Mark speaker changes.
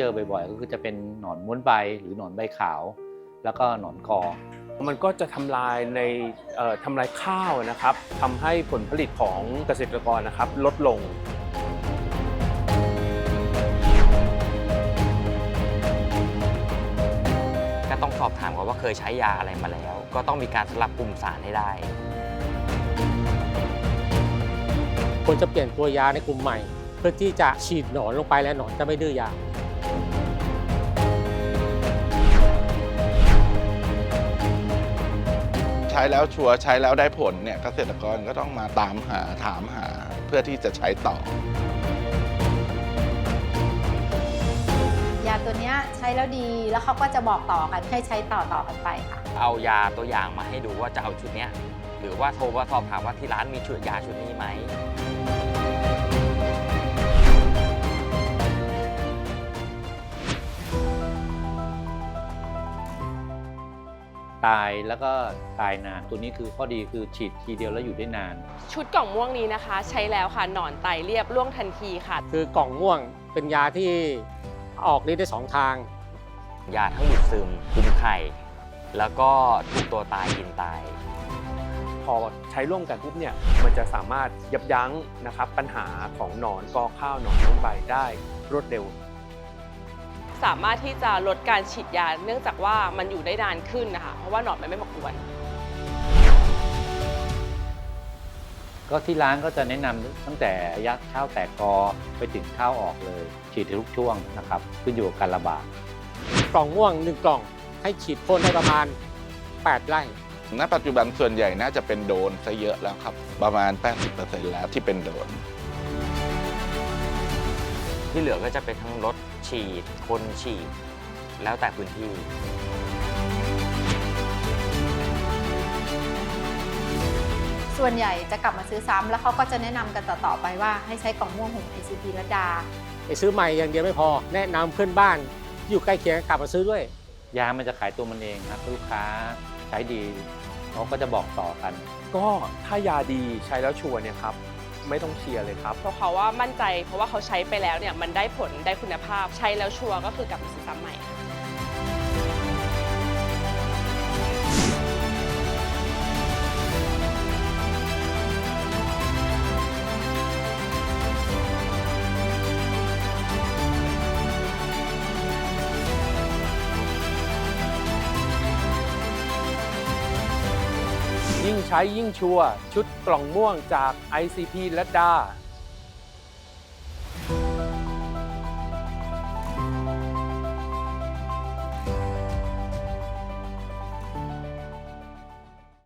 Speaker 1: อบ่อยๆก็คือจะเป็นหนอนม้วนใบหรือหนอนใบขาวแล้วก็หนอนกอ
Speaker 2: มันก็จะทำลายทำลายข้าวนะครับทำให้ผลผลิตของเกษตรกรนะครับลดลง
Speaker 3: ก็ต้องสอบถามว่าเคยใช้ยาอะไรมาแล้วก็ต้องมีการสลับกลุ่มสารให้ได้
Speaker 4: ควรจะเปลี่ยนตัวยาในกลุ่มใหม่เพื่อที่จะฉีดหนอนลงไปและหนอนจะไม่ดื้อยา
Speaker 5: ใช้แล้วชัวร์ใช้แล้วได้ผลเนี่ยเกษตรกรก็ต้องมาตามหาถามหาเพื่อที่จะใช้ต่อย
Speaker 6: าตัวนี้ใช้แล้วดีแล้วเขาก็จะบอกต่อกันให้ใช้ต่อกันไปค่ะ
Speaker 3: เอายาตัวอย่างมาให้ดูว่าจะเอาชุดนี้หรือว่าโทรมาสอบถามว่าที่ร้านมีชุดยาชุดนี้ไหม
Speaker 1: ตายแล้วก็ตายนานตัวนี้คือข้อดีคือฉีดทีเดียวแล้วอยู่ได้นาน
Speaker 7: ชุดกล่องม่วงนี้นะคะใช้แล้วค่ะหนอนไตเรียบร่วงทันทีค่ะ
Speaker 4: คือกล่องม่วงเป็นยาที่ออกฤทธิ์ได้2 ทาง
Speaker 3: ยาทั้งดูดซึมคุมไข่แล้วก็ทุกตัวตายกินตาย
Speaker 2: พอใช้ร่วมกันปุ๊บเนี่ยมันจะสามารถยับยั้งนะครับปัญหาของหนอนกอข้าวหนอนม้วนใบได้รวดเร็ว
Speaker 7: สามารถที่จะลดการฉีดยาเนื่องจากว่ามันอยู่ได้นานขึ้นนะคะเพราะว่าหนอนมันไม่มากวน
Speaker 1: ก็ที่ร้านก็จะแนะนำตั้งแต่ระยะข้าวแตกกอไปถึงข้าวออกเลยฉีดทุกช่วงนะครับขึ้นอยู่กับการระบาด
Speaker 4: กล่องม่วง1 กล่องให้ฉีดพ่นได้ประมาณ8 ไร่
Speaker 5: ณปัจจุบันส่วนใหญ่น่าจะเป็นโดรนซะเยอะแล้วครับประมาณ 80% แล้วที่เป็นโดรน
Speaker 3: ที่เหลือก็จะเป็นทั้งรถฉีดคนฉีดแล้วแต่พื้นที่
Speaker 6: ส่วนใหญ่จะกลับมาซื้อซ้ำแล้วเขาก็จะแนะนำกันต่อไปว่าให้ใช้กล่องม่วงของ ICP รัตดา
Speaker 4: ไปซื้อใหม่อย่างเดียวไม่พอแนะนำเพื่อนบ้านอยู่ใกล้เคียงกลับมาซื้อด้วย
Speaker 1: ยามันจะขายตัวมันเองครับลูกค้าใช้ดีเขาก็จะบอกต่อกัน
Speaker 2: ก็ถ้ายาดีใช้แล้วชัวร์เนี่ยครับไม่ต้องเชียร์เลยครับ
Speaker 7: เพราะเขาว่ามั่นใจเพราะว่าเขาใช้ไปแล้วเนี่ยมันได้ผลได้คุณภาพใช้แล้วชัวร์ก็คือกลับมาซื้อซ้ำใหม่
Speaker 2: ยิ่งใช้ยิ่งชัวร์ชุดกล่องม่วงจาก ICP รัตดา